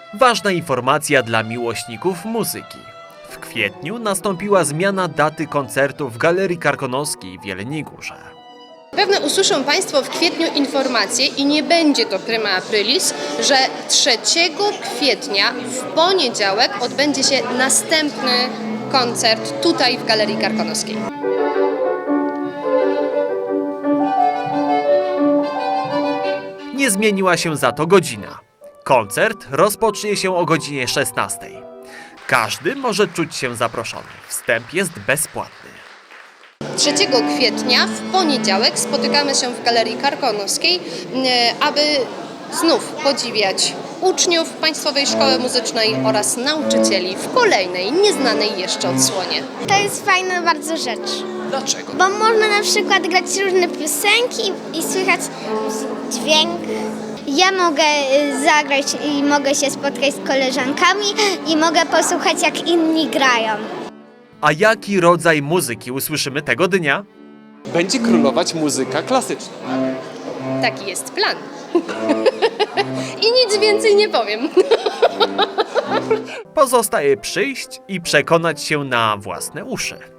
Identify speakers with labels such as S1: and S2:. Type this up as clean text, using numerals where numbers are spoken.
S1: Ważna informacja dla miłośników muzyki. W kwietniu nastąpiła zmiana daty koncertu w Galerii Karkonoskiej w Jeleniej Górze.
S2: Pewnie usłyszą Państwo w kwietniu informację i nie będzie to prima aprilis, że 3 kwietnia w poniedziałek odbędzie się następny koncert tutaj w Galerii Karkonoskiej.
S1: Nie zmieniła się za to godzina. Koncert rozpocznie się o godzinie 16. Każdy może czuć się zaproszony. Wstęp jest bezpłatny.
S2: 3 kwietnia w poniedziałek spotykamy się w Galerii Karkonoskiej, aby znów podziwiać uczniów Państwowej Szkoły Muzycznej oraz nauczycieli w kolejnej, nieznanej jeszcze odsłonie.
S3: To jest fajna bardzo rzecz,
S2: Dlaczego?
S3: bo można na przykład grać różne piosenki i słychać dźwięk. Ja mogę zagrać i mogę się spotkać z koleżankami i mogę posłuchać, jak inni grają.
S1: A jaki rodzaj muzyki usłyszymy tego dnia?
S4: Będzie królować muzyka klasyczna.
S2: Taki jest plan. I nic więcej nie powiem.
S1: Pozostaje przyjść i przekonać się na własne uszy.